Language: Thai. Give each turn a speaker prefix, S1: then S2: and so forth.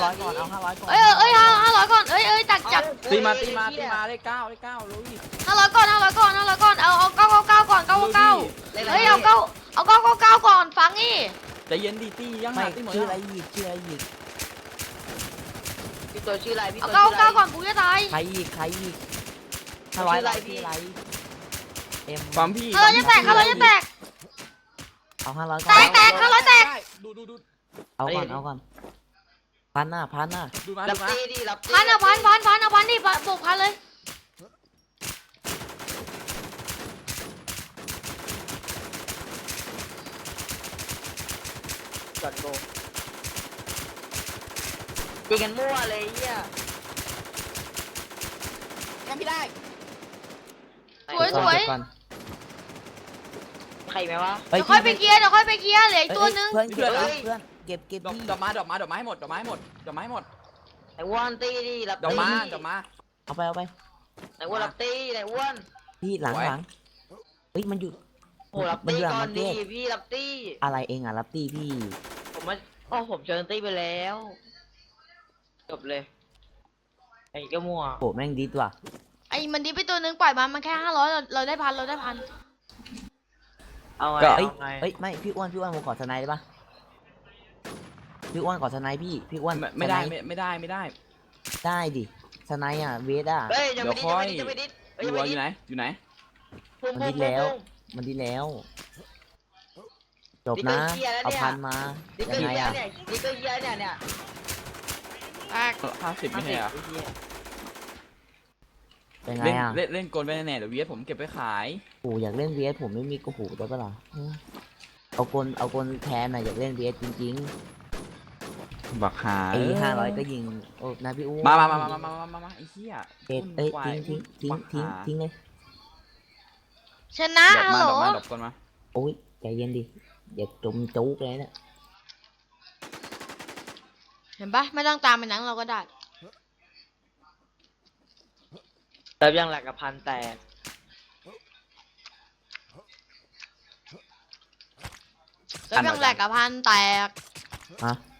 S1: 500ก่อนเอา500ก่อน
S2: 500ก่อนจัด
S3: ตีมาเลขเก้าลุย
S2: 500ก่อนเอา999ก่อน999เฮ้ยเอา999ก่อนฟังนี่
S3: ใจเย็นดีตียัง
S1: ไม่
S3: ตีหมด
S1: ชื่ออะไรอีก
S4: พี่ตัวชื่ออะไรพี่
S2: เอา
S4: ตัวชื่ออะไร
S2: 99ก่อนกูจะตาย
S1: ใครอีก500อะไรพี่อะไรเอ็ม
S3: ความพี่
S2: 500จะแตก
S1: เอา500ก่อน
S2: แตก500แตก
S3: ดู
S1: เอาก่อนพันหน้า
S3: ดูมา
S4: รับตีดิรับตี
S2: พันเอาพันดิบวกพันเลย
S4: ก่อนโบตีกันมั่วเลยเหี้ย
S3: ยังไม่ได้
S2: สวย
S1: ก่อน
S4: ใครไหมวะ
S2: เดี๋ยวค่อยไปเคลียร์เหลืออีกตัวนึง
S1: เพื่อนเก็บพี่
S3: ดอกไม้หมด
S4: ไอ้อ้วนตีดิรับ
S3: ดอก
S4: ตี
S3: ไม้
S1: เอาไป
S4: ไอ้อ้วนรับตีไอ้อ้วน
S1: พี่หลังเฮ้ยมันอยู่
S4: โอ้รับตีก่อนดิพี่รับตี
S1: อะไรเองอ่ะรับตีพี่
S4: ผมเชิญตีไปแล้วจบเลยไอ้ก็มั่ว
S1: โหแม่งดีว่ะ
S2: ไอ้มันดิไปตัวนึงปล่อยมันแค่500เราได้พัน
S4: เอาไง
S1: เฮ้ยไม่พี่อ้วนผมขอสไนได้ปะพี่อ้วนขอสไนพี่อ้วน
S3: ไม่ได้
S1: ได้ดิสไนอ่ะเวสอ่ะ
S4: เฮ้ยจะไปดิ
S3: อยู่ไหน
S1: มันดีแล้วจบนะเอาพันมายังไงอ่ะ
S4: นี่ก็เหี้ยเนี่ย
S2: แตก
S3: 50ไม่ใช่เหรอ
S1: ยังไงอ่ะ
S3: เล่นกลไปแน่เดี๋ยวเวียผมเก็บไปขาย
S1: โอ้อยากเล่นเวสผมไม่มีกระหูได้ปะล่ะเอากลแทนน่ะอยากเล่นเวสจริง
S3: บักหา
S1: ๆไอ้500ก็ยิงโอ้นะพี่อ้วน
S3: มาไอ้เหี้ย
S1: ทิ้งเลย
S2: ชนะฮัลโหล
S3: ดอกก่อนมา
S1: โอ้ยใจเย็นดิอย่าจมจุกเลยเนี่ย
S2: เห็นปะไม่ต้องตามไปหนังเราก็ได้
S4: เติมยังหลักกับพันแตก
S2: แล้วยังแหลกกับพันแตก
S1: ฮะ